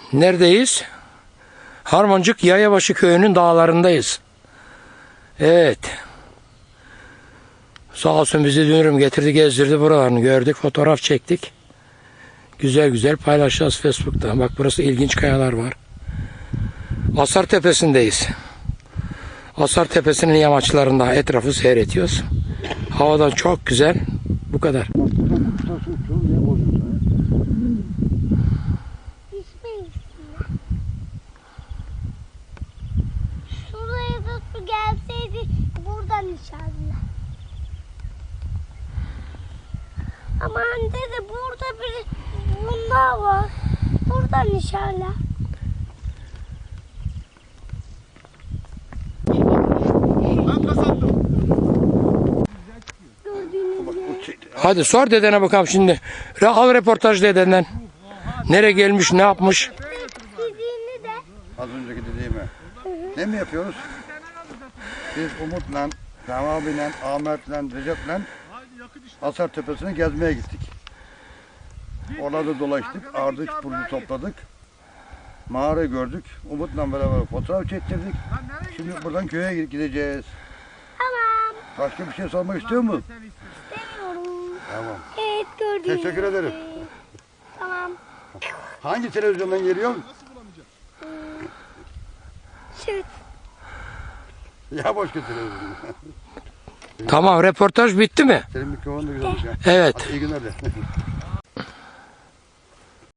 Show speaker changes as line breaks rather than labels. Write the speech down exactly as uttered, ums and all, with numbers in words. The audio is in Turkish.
Neredeyiz? Harmancık Yayabaşı köyünün dağlarındayız. Evet. Sağ olsun bizi dünürüm getirdi, gezdirdi buralarını gördük, fotoğraf çektik. Güzel güzel paylaşacağız Facebook'ta. Bak burası ilginç kayalar var. Asar Tepesi'ndeyiz. Asar Tepesi'nin yamaçlarında etrafı seyrediyoruz. Havadan çok güzel. Bu kadar.
Şuraya da su gelseydi buradan inşallah. Ama anne de burada bir bunlar var. Buradan inşallah.
Hadi sor dedene bakalım şimdi. Al reportaj dedenden. Nereye gelmiş, ne yapmış?
Dediğini de.
Az önceki dediğimi. Ne mi yapıyoruz? Biz Umut'la, Sami abiyle, Ahmet'le, Recep'le Asar Tepesi'ne gezmeye gittik. Orada dolaştık, ardıç burcu topladık. Mağara gördük. Umut'la beraber fotoğraf çektirdik. Şimdi buradan köye gideceğiz.
Tamam.
Başka bir şey sormak istiyor musun?
İstemiyorum.
Tamam.
Evet gördüğünüz
Teşekkür ederim.
gibi. Tamam.
Hangi televizyondan geliyor?
Şut.
Ya başka televizyon.
Tamam, reportaj bitti mi?
Senin mikrofon da güzelmiş ya.
Evet.
Hadi iyi günler de.